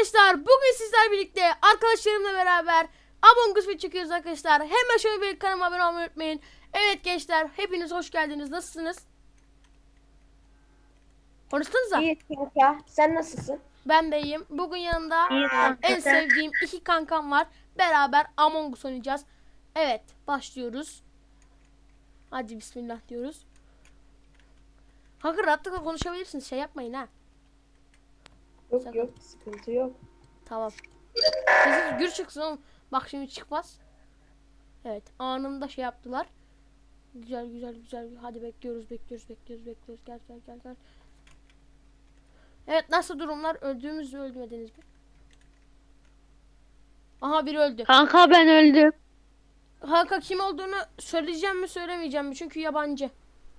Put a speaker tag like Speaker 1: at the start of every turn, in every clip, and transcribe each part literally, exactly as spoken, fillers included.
Speaker 1: arkadaşlar, bugün sizler birlikte arkadaşlarımla beraber Among Us çekiyoruz arkadaşlar. Hemen şöyle bir kanalıma abone olmayı unutmayın. Evet gençler, hepiniz hoş geldiniz. Nasılsınız? Konuşsanıza.
Speaker 2: İyi kanka. Sen nasılsın?
Speaker 1: Ben de iyiyim. Bugün yanımda
Speaker 3: İyi
Speaker 1: e,
Speaker 3: kanka,
Speaker 1: en
Speaker 3: sen?
Speaker 1: sevdiğim iki kankam var. Beraber Among Us oynayacağız. Evet, başlıyoruz. Hadi bismillah diyoruz. Kanka rahatlıkla konuşabilirsiniz. Şey yapmayın ha.
Speaker 2: Yok
Speaker 1: Sakın.
Speaker 2: yok sıkıntı yok.
Speaker 1: Tamam. Sessiz gür çıksın oğlum. Bak şimdi çıkmaz. Evet, anında şey yaptılar. Güzel güzel güzel. Hadi bekliyoruz bekliyoruz bekliyoruz bekliyoruz. Gel gel gel gel. Evet, nasıl durumlar? Öldüğümüz mü öldürmediniz mi? Aha, biri öldü.
Speaker 3: Kanka ben öldüm.
Speaker 1: Kanka kim olduğunu söyleyeceğim mi söylemeyeceğim mi? Çünkü yabancı.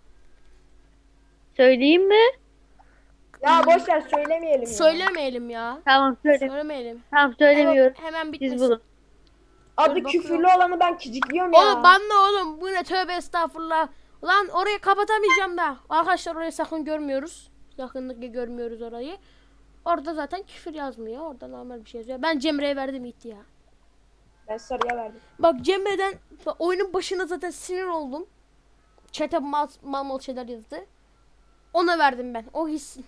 Speaker 3: Söyleyeyim mi?
Speaker 2: Ya boş ver söylemeyelim ya.
Speaker 1: Söylemeyelim ya.
Speaker 3: Tamam söyle.
Speaker 1: Söylemeyelim.
Speaker 3: Tamam söylemiyorum.
Speaker 1: Hemen
Speaker 3: Siz
Speaker 1: bitmesin.
Speaker 3: bulun.
Speaker 2: Adı
Speaker 1: Dur,
Speaker 2: küfürlü
Speaker 1: bakıyorum.
Speaker 2: olanı ben kicikliyorum ya.
Speaker 1: Oğlum banla oğlum. Bu ne, tövbe estağfurullah. Lan orayı kapatamayacağım da. Arkadaşlar orayı sakın görmüyoruz. Yakınlıkla görmüyoruz orayı. Orada zaten küfür yazmıyor. Orada normal bir şey yazıyor. Ben Cemre'ye verdim gitti ya.
Speaker 2: Ben sarıya verdim.
Speaker 1: Bak Cemre'den bak, oyunun başında zaten sinir oldum. Chat'e mal, mal mal şeyler yazdı. Ona verdim ben. O hissin.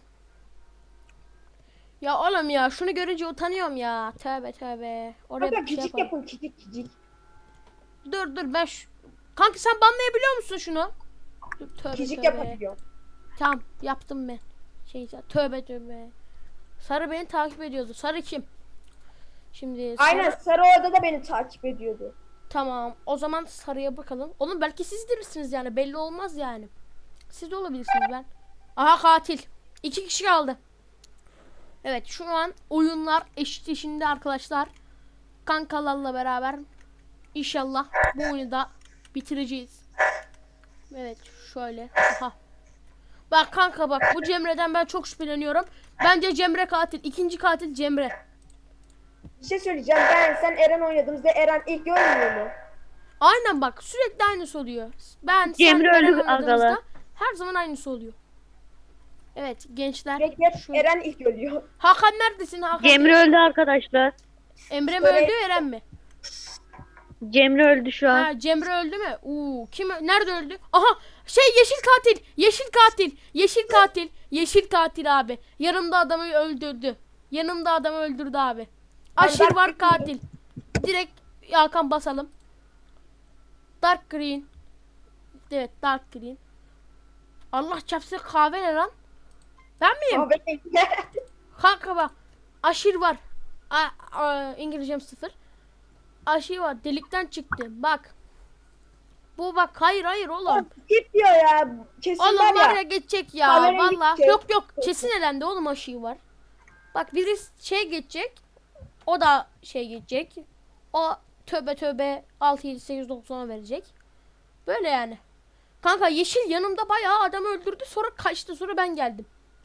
Speaker 1: Ya oğlum ya şunu görünce utanıyorum ya. Tövbe tövbe. Oraya
Speaker 2: Kanka
Speaker 1: bir şey
Speaker 2: kicik
Speaker 1: yapalım.
Speaker 2: yapın kicik kicik.
Speaker 1: Dur dur ben şu... Kanka sen banlayabiliyor musun şunu? Dur, tövbe
Speaker 2: Kicik
Speaker 1: tövbe.
Speaker 2: yapabiliyorum.
Speaker 1: Tamam yaptım ben. Şey tövbe tövbe. Sarı beni takip ediyordu. Sarı kim? Şimdi sarı...
Speaker 2: Aynen sarı orada da beni takip ediyordu.
Speaker 1: Tamam. O zaman sarıya bakalım. Oğlum belki siz değilsiniz yani. Belli olmaz yani. Siz de olabilirsiniz ben. Aha katil. İki kişi kaldı. Evet şu an oyunlar eşitleşinde arkadaşlar. Kankalarla beraber İnşallah bu oyunu da bitireceğiz. Evet şöyle. Aha. Bak kanka bak bu Cemre'den ben çok şüpheleniyorum. Bence Cemre katil. İkinci katil Cemre.
Speaker 2: Bir şey söyleyeceğim. Ben sen Eren oynadığımızda Eren ilk görmüyor mu?
Speaker 1: Aynen bak sürekli aynısı oluyor. Ben
Speaker 3: Cemre
Speaker 1: sen Eren
Speaker 3: öldü
Speaker 1: oynadığımızda
Speaker 3: agalar.
Speaker 1: her zaman aynısı oluyor. Evet gençler.
Speaker 2: Sürekli hep
Speaker 1: şöyle-
Speaker 2: Eren ilk ölüyor.
Speaker 1: Hakan neredesin Hakan?
Speaker 3: Cemre öldü arkadaşlar.
Speaker 1: Emre mi
Speaker 2: Böyle-
Speaker 1: öldü Eren mi?
Speaker 3: Cemre öldü şu an.
Speaker 1: Ha Cemre öldü mü? Uuu kim ö- nerede öldü? Aha şey yeşil katil. Yeşil katil. Yeşil katil. Yeşil katil abi. Yanımda adamı öldürdü. Yanımda adamı öldürdü abi. Aşır
Speaker 2: Dark
Speaker 1: var
Speaker 2: Green.
Speaker 1: katil. Direkt Hakan basalım. Dark green. Evet dark green. Allah çarpsın kahve ne lan? Ben miyim?
Speaker 2: Ama ben
Speaker 1: Kanka bak. Aşır var. A, a, İngilizcem sıfır. Aşır var. Delikten çıktı. Bak. Bu bak. Hayır hayır oğlum.
Speaker 2: git diyor ya. Kesin
Speaker 1: Oğlum
Speaker 2: var ya.
Speaker 1: var ya geçecek ya.
Speaker 2: Kahverengi
Speaker 1: Valla.
Speaker 2: gidecek.
Speaker 1: Yok yok. Kesin elendi oğlum aşığı var. Bak biri şey geçecek. O da şey geçecek. O tövbe tövbe altı yedi sekiz dokuz verecek. Böyle yani. Kanka yeşil yanımda bayağı adamı öldürdü. Sonra kaçtı. Sonra ben geldim.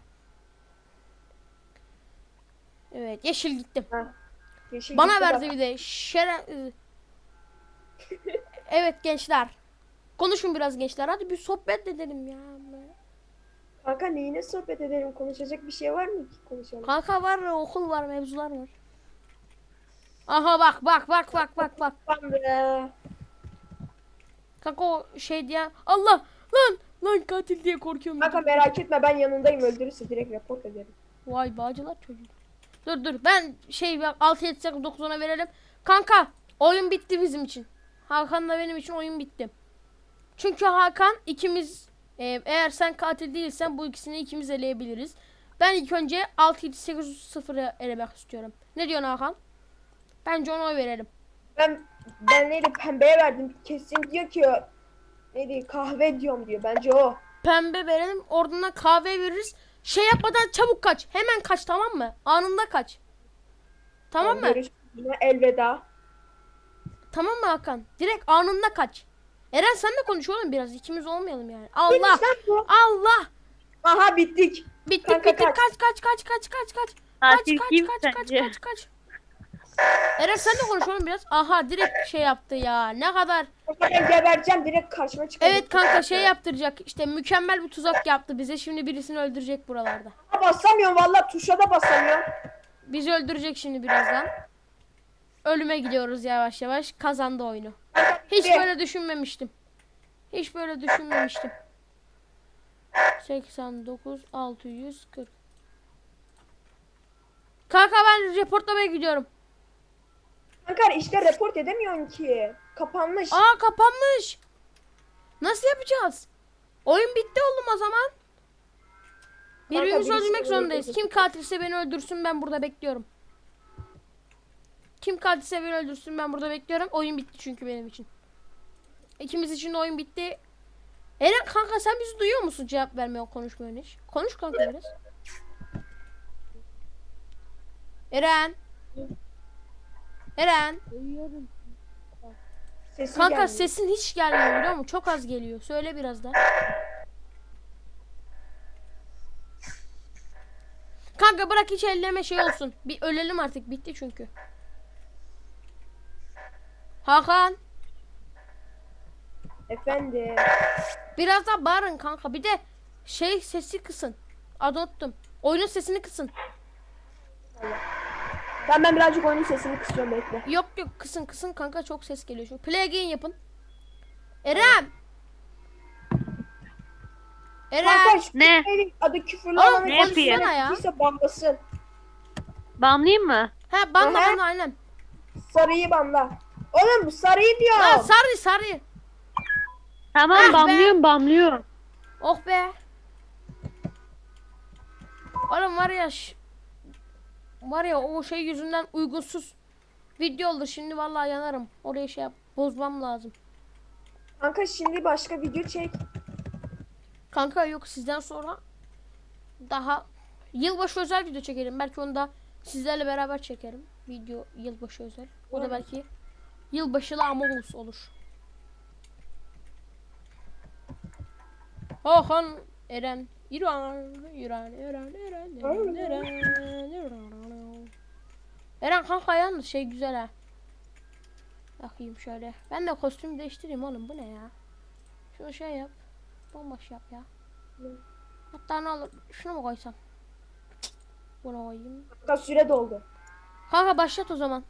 Speaker 1: Evet yeşil gittim.
Speaker 2: Ha, yeşil
Speaker 1: Bana
Speaker 2: gitti
Speaker 1: verdi
Speaker 2: bak.
Speaker 1: bir de. Şere... Evet gençler. Konuşun biraz gençler. Hadi bir sohbet edelim ya.
Speaker 2: Kanka neyine sohbet edelim? Konuşacak bir şey var mı ki konuşalım?
Speaker 1: Kanka var ya, okul var, mevzular var. Aha bak bak bak bak bak bak.
Speaker 2: Lan be.
Speaker 1: Kanka o şey diye Allah lan lan katil diye korkuyorum.
Speaker 2: Kanka merak etme ben yanındayım, öldürürse direkt report ederim.
Speaker 1: Vay bağcılar çocuğu. Dur dur ben şey altı yedi sekiz dokuz verelim. Kanka oyun bitti bizim için. Hakan'la benim için oyun bitti. Çünkü Hakan ikimiz e, eğer sen katil değilsen bu ikisini ikimiz eleyebiliriz. Ben ilk önce altı yedi sekiz sıfırı elemek istiyorum. Ne diyorsun Hakan? Bence ona oy verelim.
Speaker 2: Ben ben neydi pembeye verdim. Kesin diyor ki neydi kahve diyorum diyor. Bence o.
Speaker 1: Pembe verelim. Oradan kahve veririz. Şey yapmadan çabuk kaç. Hemen kaç tamam mı? Anında kaç. Tamam mı?
Speaker 2: Görüşürüz. Elveda.
Speaker 1: Tamam mı Hakan? Direkt anında kaç. Eren sen de konuş oğlum biraz. İkimiz olmayalım yani. Allah.
Speaker 2: Neymiş lan bu?
Speaker 1: Allah.
Speaker 2: Aha bittik.
Speaker 1: Bittik
Speaker 2: Kanka
Speaker 1: bittik.
Speaker 2: kaç.
Speaker 1: Kaç kaç kaç kaç kaç kaç. Kaç
Speaker 3: Katil
Speaker 1: kaç
Speaker 3: kim
Speaker 1: kaç kaç
Speaker 3: sence?
Speaker 1: kaç kaç. Eren sen de konuş oğlum biraz. Aha direkt şey yaptı ya. Ne kadar.
Speaker 2: Kanka ben gebereceğim, direkt karşıma çıkacak.
Speaker 1: Evet kanka şey yaptıracak. İşte mükemmel bir tuzak yaptı bize. Şimdi birisini öldürecek buralarda.
Speaker 2: Ha, basamıyorum valla, tuşa da basamıyorum.
Speaker 1: bizi öldürecek şimdi birazdan. Ölüme gidiyoruz yavaş yavaş. Kazandı oyunu. Hiç böyle düşünmemiştim. Hiç böyle düşünmemiştim. seksen dokuz altı yüz kırk. Kanka ben reportlamaya gidiyorum.
Speaker 2: Kanka işte report edemiyorsun ki. Kapanmış.
Speaker 1: Aa kapanmış. Nasıl yapacağız? Oyun bitti oğlum o zaman. Birbirimizi
Speaker 2: birisi
Speaker 1: öldürmek
Speaker 2: beni
Speaker 1: zorundayız.
Speaker 2: öldürecek.
Speaker 1: Kim katilse beni öldürsün, ben burada bekliyorum. Kim katilse beni öldürsün, ben burada bekliyorum. Oyun bitti çünkü benim için. İkimiz için de oyun bitti. Eren kanka sen bizi duyuyor musun? Cevap vermiyor, konuşmuyor hiç. Konuş kanka biraz. Eren. Eren.
Speaker 3: Duyuyorum.
Speaker 2: Sesin
Speaker 1: Kanka
Speaker 2: gelmiyor.
Speaker 1: sesin hiç gelmiyor biliyor musun? Çok az geliyor. Söyle biraz da. Kanka bırak hiç elleme şey olsun. Bir ölelim artık, bitti çünkü. Hakan.
Speaker 2: Efendim.
Speaker 1: Biraz daha bağırın kanka. Bir de şey sesi kısın. Adı unuttum. Oyunun sesini kısın.
Speaker 2: Ben ben birazcık oyunun sesini kısıyorum, bekle.
Speaker 1: Yok yok kısın kısın kanka, çok ses geliyor. Çünkü play again yapın. Eren. Eren.
Speaker 2: Kanka şu
Speaker 3: Ne?
Speaker 2: şeyin adı küfürlü
Speaker 1: Oğlum,
Speaker 2: olanı
Speaker 3: ne yapayım?
Speaker 1: konuşsana ya.
Speaker 2: ise banlasın.
Speaker 3: Banlayayım mı?
Speaker 1: Ha banla
Speaker 2: Aha.
Speaker 1: banla aynen.
Speaker 2: Sarıyı banla. Oğlum sarıyı diyor.
Speaker 1: Ha sarı sarı.
Speaker 3: Tamam
Speaker 1: Ah be.
Speaker 3: banlıyorum banlıyorum.
Speaker 1: Oh be. Oğlum var ya ş- var ya o şey yüzünden uygunsuz video oldu. Şimdi vallahi yanarım. Oraya şey yap, bozmam lazım.
Speaker 2: Kanka şimdi başka video çek.
Speaker 1: Kanka yok, sizden sonra daha yılbaşı özel video çekerim. Belki onu da sizlerle beraber çekerim. Video yılbaşı özel. O da belki yılbaşılı Among Us olur. Hakan, Eren, İran, İran, Eren, Eren, Eren, Eren, Eren. Eren kanka yalnız şey güzel ha. Bakayım şöyle. Ben de kostüm değiştireyim oğlum, bu ne ya? Şunu şey yap. Bomboş yap ya. Hatta ne olur şunu mu koysam? Cık, bunu koyayım.
Speaker 2: Kanka süre doldu.
Speaker 1: Kanka başlat o zaman.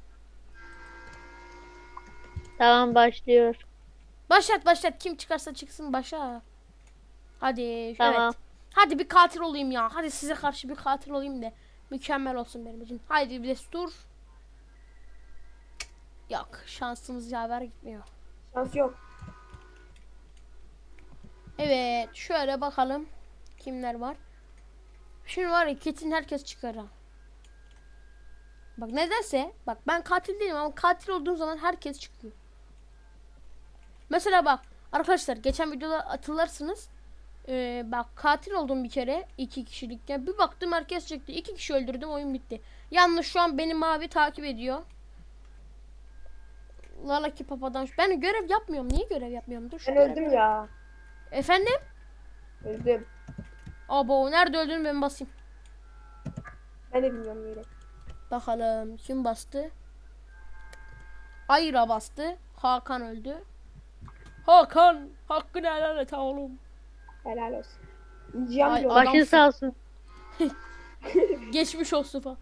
Speaker 3: Tamam başlıyor.
Speaker 1: Başlat başlat, kim çıkarsa çıksın başa. Hadi
Speaker 3: Tamam.
Speaker 1: evet. Hadi bir katil olayım ya. Hadi size karşı bir katil olayım da mükemmel olsun benim için. Haydi bir destur. Cık, yok şansımız yaver gitmiyor.
Speaker 2: Şans yok.
Speaker 1: Evet şöyle bakalım kimler var. Şimdi var ya kesin herkes çıkar ha. Bak nedense bak ben katil değilim ama katil olduğum zaman herkes çıkıyor. Mesela bak arkadaşlar geçen videoda hatırlarsınız. Ee, bak katil oldum bir kere iki kişilikken, bir baktım herkes çıktı, iki kişi öldürdüm, oyun bitti. Yalnız şu an beni mavi takip ediyor. Lalaki papadan ben görev yapmıyorum, niye görev yapmıyorum? Dur şu
Speaker 2: Ben
Speaker 1: görev-
Speaker 2: öldüm ya.
Speaker 1: Efendim?
Speaker 2: Öldüm.
Speaker 1: Abo nerede öldün, ben basayım.
Speaker 2: Ben de bilmiyorum yere.
Speaker 1: Bakalım kim bastı? Ayra bastı. Hakan öldü. Hakan hakkını helal et oğlum.
Speaker 2: Helal olsun. Cihan
Speaker 1: Ay,
Speaker 2: diyor.
Speaker 1: ay.
Speaker 3: Başın sağ olsun.
Speaker 1: Geçmiş olsun falan.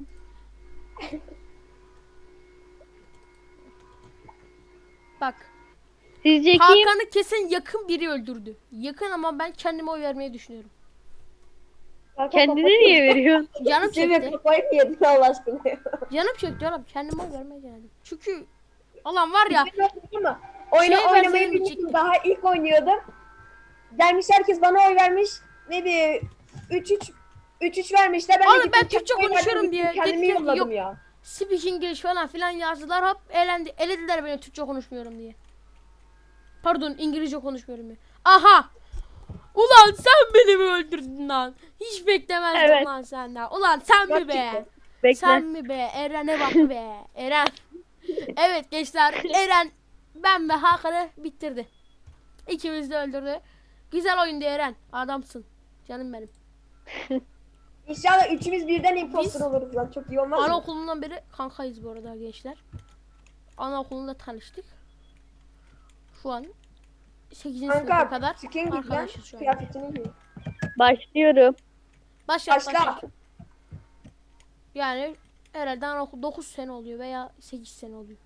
Speaker 1: Bak
Speaker 3: Sizce kim?
Speaker 1: Hakan'ı kesin yakın biri öldürdü. Yakın ama ben kendime oy vermeyi düşünüyorum.
Speaker 2: Kanka
Speaker 3: Kendine
Speaker 2: kafayı-
Speaker 3: niye veriyorsun?
Speaker 1: Canım
Speaker 2: Senin
Speaker 1: çekti.
Speaker 2: kafayı mı yedin Allah aşkına ya?
Speaker 1: Canım çekti oğlum, kendime oy vermeye geldim. Çünkü Allah'ım var ya.
Speaker 2: Ama oyunu
Speaker 1: Şey
Speaker 2: oynamayı
Speaker 1: verseydim
Speaker 2: bilmiştim.
Speaker 1: çekti.
Speaker 2: Daha ilk oynuyordum. Gelmiş herkes bana oy vermiş. Ne bir üç üç üç üç vermişler. Ben de
Speaker 1: Oğlum
Speaker 2: gittim
Speaker 1: ben Türkçe
Speaker 2: kendime
Speaker 1: konuşuyorum
Speaker 2: verdim,
Speaker 1: diye.
Speaker 2: kendimi
Speaker 1: Gittim,
Speaker 2: yolladım
Speaker 1: yok.
Speaker 2: ya.
Speaker 1: Speak English falan filan yazdılar, hop elendi, elediler beni Türkçe konuşmuyorum diye. Pardon İngilizce konuşmuyorum diye. Aha! Ulan sen beni mi öldürdün lan? Hiç beklemezdim
Speaker 3: Evet.
Speaker 1: lan senden. Ulan sen mi be?
Speaker 2: Gerçekten.
Speaker 3: Bekle.
Speaker 1: Sen mi be? Eren'e bak be. Eren. Evet gençler, Eren ben ve Hakan'ı bitirdi. İkimiz de öldürdü. Güzel oyundu Eren. Adamsın. Canım benim.
Speaker 2: İnşallah üçümüz birden imposter
Speaker 1: Biz-
Speaker 2: oluruz lan. Çok iyi olmaz mı?
Speaker 1: Anaokulundan beri kankayız bu arada gençler. Anaokulunda tanıştık. Şu an sekizinci sınıfa
Speaker 2: Kanka
Speaker 1: kadar
Speaker 2: skin giy lan.
Speaker 1: arkadaşız şu an.
Speaker 2: Kıyafetini giy.
Speaker 3: Başlıyorum.
Speaker 1: Başlat
Speaker 2: Başla.
Speaker 1: başlat. Yani herhalde dokuz sene oluyor veya sekiz sene oluyor.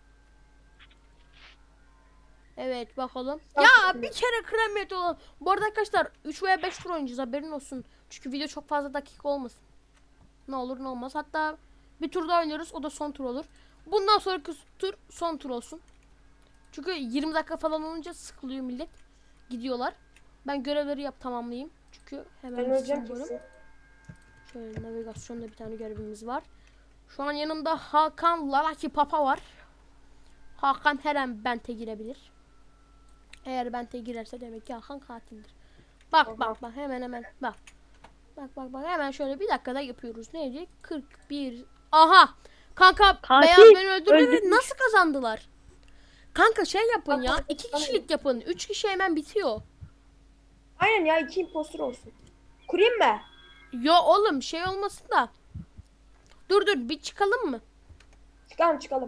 Speaker 1: Evet bakalım. Ya bir kere kremiyet olalım. Bu arada arkadaşlar üç veya beş tur oynayacağız, haberin olsun. Çünkü video çok fazla dakika olmasın. Ne olur ne olmaz. Hatta bir tur daha oynuyoruz, o da son tur olur. Bundan sonraki tur son tur olsun. Çünkü yirmi dakika falan olunca sıkılıyor millet. Gidiyorlar. Ben görevleri yap tamamlayayım. Çünkü hemen
Speaker 2: Ben öleceğim
Speaker 1: istiyorum.
Speaker 2: kesin.
Speaker 1: Şöyle navigasyonda bir tane görevimiz var. Şu an yanımda Hakan Lalaki Papa var. Hakan her an bente girebilir. Eğer bente girerse demek ki Hakan katildir. Bak
Speaker 2: Aha.
Speaker 1: bak bak hemen hemen bak. Bak bak bak hemen şöyle bir dakikada yapıyoruz. Neydi? kırk bir. Aha! Kanka
Speaker 3: Katil
Speaker 1: beyaz beni öldürdü ve
Speaker 3: öldürmüş.
Speaker 1: nasıl kazandılar? Kanka şey yapın ya.
Speaker 2: Kanka,
Speaker 1: iki
Speaker 2: tamam.
Speaker 1: kişilik yapın. Üç kişi hemen bitiyor.
Speaker 2: Aynen ya, iki impostor olsun. Kurayım mı?
Speaker 1: Yo oğlum şey olmasın da. Dur dur bir çıkalım mı?
Speaker 2: Çıkalım çıkalım.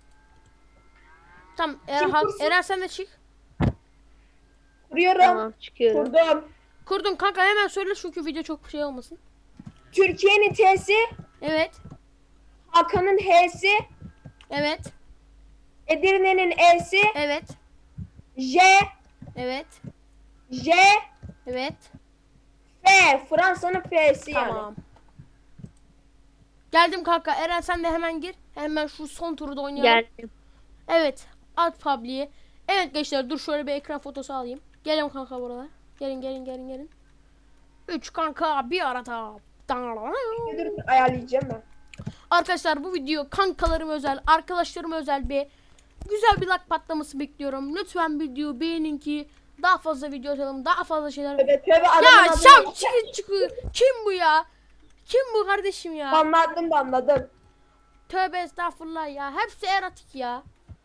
Speaker 1: Tamam Er
Speaker 2: Kim
Speaker 1: Ha-
Speaker 2: kursun?
Speaker 1: Eren sen de çık.
Speaker 2: Kuruyorum.
Speaker 3: Tamam çıkıyorum.
Speaker 2: Kurdum.
Speaker 1: Kurdun kanka hemen söyle çünkü video çok şey olmasın.
Speaker 2: Türkiye'nin T'si,
Speaker 1: Evet.
Speaker 2: Hakan'ın H'si,
Speaker 1: Evet.
Speaker 2: Edirne'nin E'si,
Speaker 1: Evet.
Speaker 2: J,
Speaker 1: Evet.
Speaker 2: J,
Speaker 1: Evet.
Speaker 2: F. Fransa'nın F'si yani.
Speaker 1: Tamam. Geldim kanka. Eren sen de hemen gir. Hemen şu son turu da oynayalım.
Speaker 3: Geldim.
Speaker 1: Evet. At Publi'ye. Evet gençler dur şöyle bir ekran fotosu alayım. Gelin kanka buralar. Gelin gelin gelin gelin. Üç kanka bir arada.
Speaker 2: Dur, ayarlayacağım ben.
Speaker 1: Arkadaşlar bu video kankalarım özel, arkadaşlarım özel bir güzel bir like patlaması bekliyorum. Lütfen videoyu beğenin ki daha fazla video atalım, daha fazla şeyler.
Speaker 2: Tövbe tövbe, adamın
Speaker 1: Ya
Speaker 2: adını-
Speaker 1: şam çıkı çıkı. Kim bu ya? Kim bu kardeşim ya?
Speaker 2: Banladım banladım.
Speaker 1: Tövbe estağfurullah ya. Hepsi eratik ya.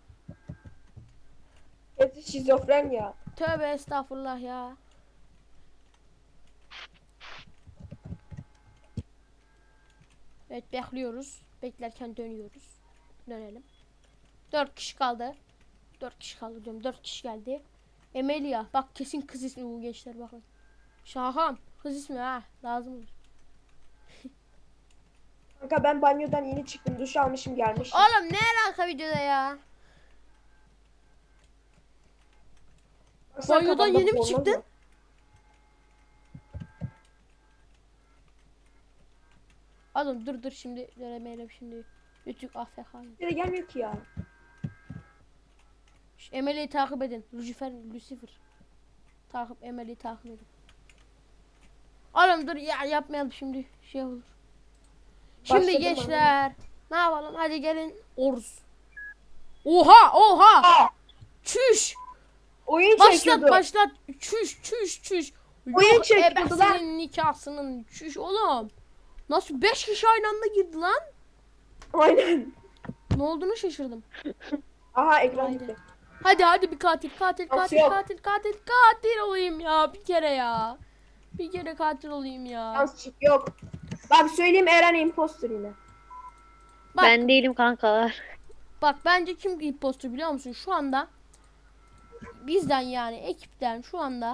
Speaker 2: Hepsi şizofren ya.
Speaker 1: Tövbe estağfurullah ya. Evet bekliyoruz. Beklerken dönüyoruz. Dönelim. Dört kişi kaldı. Dört kişi kaldı diyorum. Dört kişi geldi. Emelia. Bak kesin kız ismi bu gençler bakın. Şahan. Kız ismi ha. Lazım olur.
Speaker 2: Kanka ben banyodan yeni çıktım. Duş almışım gelmişim.
Speaker 1: Oğlum ne alaka videoda ya?
Speaker 2: Baksana
Speaker 1: banyodan
Speaker 2: kafamda
Speaker 1: yeni mi
Speaker 2: bornoz
Speaker 1: çıktın?
Speaker 2: var.
Speaker 1: Oğlum dur dur şimdi. Göremeyelim şimdi. Ütük A F K.
Speaker 2: Bir de gelmiyor ki ya.
Speaker 1: Emelia'yı takip edin. Lucifer, Lucifer. Takip, Emelia'yı takip edin. Oğlum dur ya yapmayalım şimdi. Şey olur. Şimdi
Speaker 2: Başladım
Speaker 1: gençler. Ne yapalım? Hadi gelin. Oruz. Oha oha.
Speaker 2: Aa,
Speaker 1: Çüş.
Speaker 2: oyun
Speaker 1: Başlat
Speaker 2: çekiyordu.
Speaker 1: başlat. Çüş çüş çüş.
Speaker 2: Oyun
Speaker 1: Yok
Speaker 2: çekiyordu lan.
Speaker 1: ebesinin nikahsının çüş oğlum. Nasıl beş kişi aynı anda girdi lan?
Speaker 2: Aynen.
Speaker 1: Ne olduğunu şaşırdım.
Speaker 2: Aha ekran
Speaker 1: Haydi.
Speaker 2: gitti.
Speaker 1: Hadi hadi bir katil katil
Speaker 2: Nasıl
Speaker 1: katil
Speaker 2: yok?
Speaker 1: katil katil katil olayım ya bir kere ya. Bir kere katil olayım ya.
Speaker 2: Yalnız çık yok. Bak söyleyeyim, Eren imposter yine.
Speaker 1: Bak
Speaker 3: Ben değilim kankalar.
Speaker 1: bak bence kim impostor biliyor musun? Şu anda bizden yani ekipten şu anda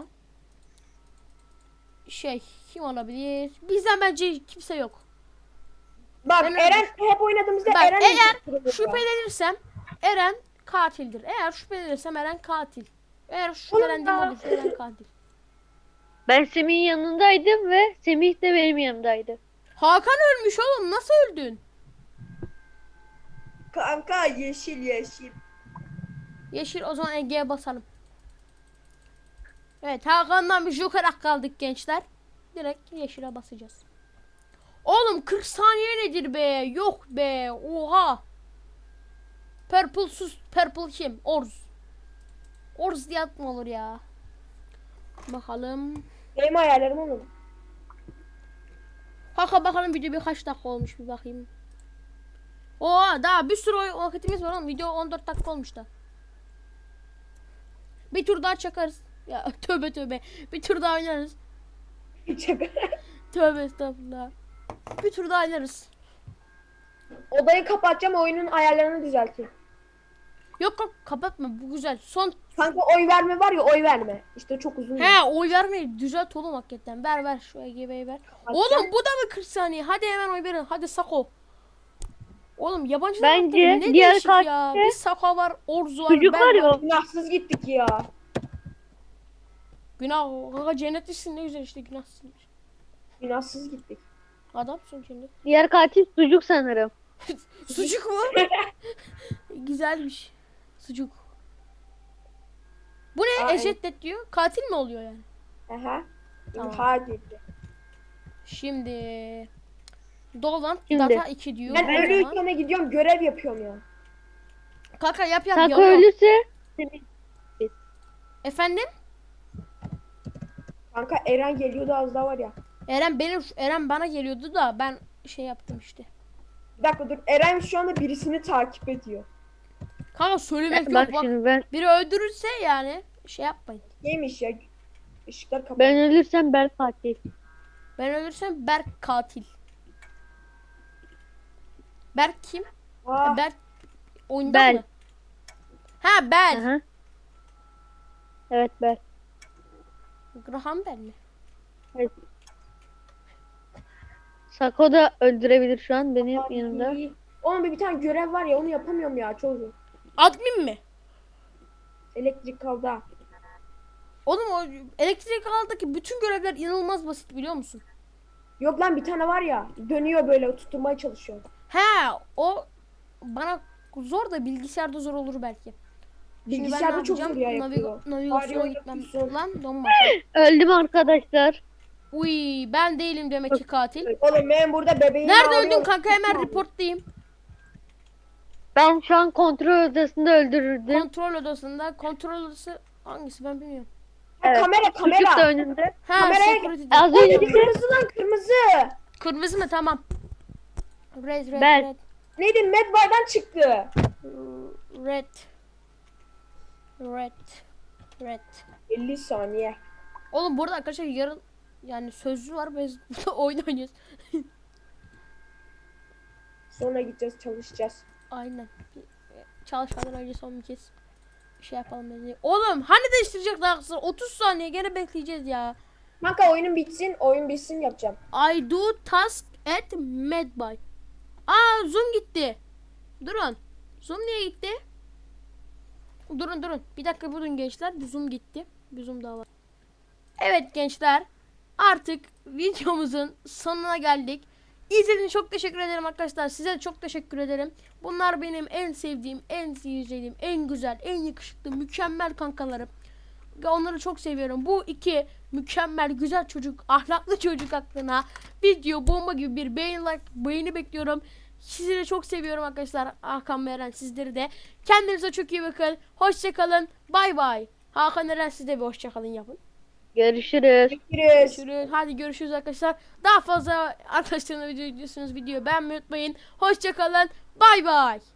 Speaker 1: şey kim olabilir? Bizden bence kimse yok.
Speaker 2: Bak
Speaker 1: Ben-
Speaker 2: Eren hep oynadığımızda
Speaker 1: Bak,
Speaker 2: Eren
Speaker 1: eğer
Speaker 2: imposter oluyor.
Speaker 1: Şüphelenirsem Eren katildir. Eğer şüphelenirsem Eren katil. Eğer şüphelendiğim
Speaker 2: ya.
Speaker 1: olursa Eren katil.
Speaker 3: Ben Semih'in yanındaydım ve Semih de benim yanımdaydı.
Speaker 1: Hakan ölmüş oğlum nasıl öldün?
Speaker 2: Kanka yeşil yeşil.
Speaker 1: Yeşil o zaman Ege'ye basalım. Evet Hakan'dan bir joker hak kaldık gençler. Direkt yeşile basacağız. Oğlum kırk saniye nedir be? Yok be. Oha. Purple sus. Purple kim? Orz. Orz diye atma olur ya. Bakalım.
Speaker 2: Benim hayallerim oğlum.
Speaker 1: Hakan bakalım video birkaç dakika olmuş bir bakayım. Oha daha bir sürü oy- vakitimiz var oğlum. Video on dört dakika olmuş da. Bir tur daha çakarız. Ya tövbe tövbe. Bir tur daha oynarız. Tövbe estağfurullah. Bir tur daha oynarız.
Speaker 2: Odayı kapatacağım, oyunun ayarlarını düzelteyim.
Speaker 1: Yok yok kapatma bu güzel. Son.
Speaker 2: Kanka oy verme var ya, oy verme. İşte çok uzun.
Speaker 1: He oy vermeyi düzelt oğlum hakikaten. Ver ver şu E G B'yi ver. Oğlum bu da mı kırk saniye? Hadi hemen oy verin. Hadi Sako. Oğlum yabancılar
Speaker 3: Bence
Speaker 1: hakkında ne
Speaker 3: diğer
Speaker 1: değişik ya.
Speaker 3: katilde
Speaker 1: Bir Sako var, Orzu var,
Speaker 3: Çocuk
Speaker 1: ben
Speaker 3: var ya o.
Speaker 2: Günahsız gittik ya.
Speaker 1: Günah. Kanka cennetlisin ne güzel işte günahsın.
Speaker 2: Günahsız gittik.
Speaker 1: Adamsın cennet.
Speaker 3: Diğer katil sucuk sanırım.
Speaker 1: Sucuk mu? Güzelmiş. Sucuk. Bu ne?
Speaker 2: Aa,
Speaker 1: Eşeddet diyor. Katil mi oluyor yani?
Speaker 2: Aha.
Speaker 1: Tamam.
Speaker 2: Hadi.
Speaker 1: Şimdi Dolan
Speaker 3: Şimdi.
Speaker 1: data iki diyor.
Speaker 2: Ben
Speaker 1: O zaman-
Speaker 2: ölüyken gidiyorum, görev yapıyorum ya.
Speaker 1: Kanka yap yap
Speaker 3: Sako
Speaker 1: yanıyor.
Speaker 3: ölürse Semih.
Speaker 1: Efendim?
Speaker 2: Kanka Eren geliyordu az daha var ya.
Speaker 1: Eren benim Eren bana geliyordu da ben şey yaptım işte.
Speaker 2: Bir dakika dur. Eren şu anda birisini takip ediyor.
Speaker 1: Kanka söylemek
Speaker 3: Bak
Speaker 1: yok bak.
Speaker 3: şimdi ben
Speaker 1: Biri öldürürse yani şey yapmayın.
Speaker 2: Neymiş ya? Işıklar kapalı.
Speaker 3: ben ölürsem ben katil.
Speaker 1: Ben ölürsem Berk katil. Berk kim?
Speaker 2: Aa,
Speaker 1: Berk oyunda
Speaker 3: Bel.
Speaker 1: mı? Ha Bel.
Speaker 3: Aha. Evet ben.
Speaker 1: Graham Bell mi?
Speaker 3: Sako da öldürebilir şu an benim
Speaker 2: abi,
Speaker 3: yanımda.
Speaker 2: iyi. Oğlum bir bir tane görev var ya, onu yapamıyorum ya çocuğum.
Speaker 1: Admin mi?
Speaker 2: Elektrik kaldı ha.
Speaker 1: Oğlum o elektrik ağındaki bütün görevler inanılmaz basit biliyor musun?
Speaker 2: Yok lan, bir tane var ya, dönüyor böyle, tutturmaya çalışıyor.
Speaker 1: He o bana zor da bilgisayarda zor olur belki. Şimdi ben ne
Speaker 2: Bilgisayarda çok
Speaker 1: yapacağım?
Speaker 2: zor ya,
Speaker 1: Naviga-
Speaker 2: yapıyor.
Speaker 1: navigasyona
Speaker 2: Bari
Speaker 1: gitmem.
Speaker 2: yapıyorsun.
Speaker 1: Lan donma.
Speaker 3: Öldüm arkadaşlar.
Speaker 1: Uy ben değilim demek ki katil.
Speaker 2: Oğlum ben burada bebeğimi
Speaker 1: Nerede
Speaker 2: ağlıyorum.
Speaker 1: öldün kanka hemen reportlayayım.
Speaker 3: Ben şu an kontrol odasında öldürürdüm.
Speaker 1: Kontrol odasında. Kontrol odası hangisi ben bilmiyorum.
Speaker 2: Ha,
Speaker 3: Evet.
Speaker 2: kamera
Speaker 3: Sucuk da
Speaker 2: kamera.
Speaker 3: önümde.
Speaker 1: Ha
Speaker 2: Kameraya-
Speaker 1: security.
Speaker 3: Az
Speaker 2: Oğlum
Speaker 3: önce
Speaker 2: kırmızı lan, kırmızı.
Speaker 1: Kırmızı mı tamam. Red red
Speaker 3: Ben.
Speaker 1: red.
Speaker 2: Neydi, Medbay'dan çıktı.
Speaker 1: Red. Red. Red.
Speaker 2: elli saniye.
Speaker 1: Oğlum burada arkadaşlar yarın yani sözlü var biz burada oyun oynuyoruz.
Speaker 2: Sonra gideceğiz, çalışacağız.
Speaker 1: Aynen. Çalışmadan önce son bir kez şey yapalım dedi. Oğlum hani değiştirecek daha kısa otuz saniye gene bekleyeceğiz ya.
Speaker 2: Kanka oyunun bitsin, oyun bitsin yapacağım.
Speaker 1: I do task at Medbay. Aa zoom gitti. Durun. Zoom niye gitti? Durun durun. Bir dakika durun gençler. Bir zoom gitti. Bir zoom daha var. Evet gençler. Artık videomuzun sonuna geldik. İzlediğiniz için çok teşekkür ederim arkadaşlar. Size de çok teşekkür ederim. Bunlar benim en sevdiğim, en sevdiğim, en güzel, en yakışıklı, mükemmel kankalarım. Ve onları çok seviyorum. Bu iki mükemmel, güzel çocuk, ahlaklı çocuk aklına video bomba gibi bir beğeni, like, beğeni bekliyorum. Sizleri çok seviyorum arkadaşlar. Hakan ve Eren sizleri de. Kendinize çok iyi bakın. Hoşçakalın. Bay bay. Hakan Eren siz de bir hoşçakalın yapın.
Speaker 3: görüşürüz.
Speaker 2: Görüşürüz.
Speaker 1: Görüşürüz. Hadi görüşürüz arkadaşlar. Daha fazla arkadaşlarına video izliyorsunuz. Videoyu beğenmeyi unutmayın. Hoşçakalın. Bay bay.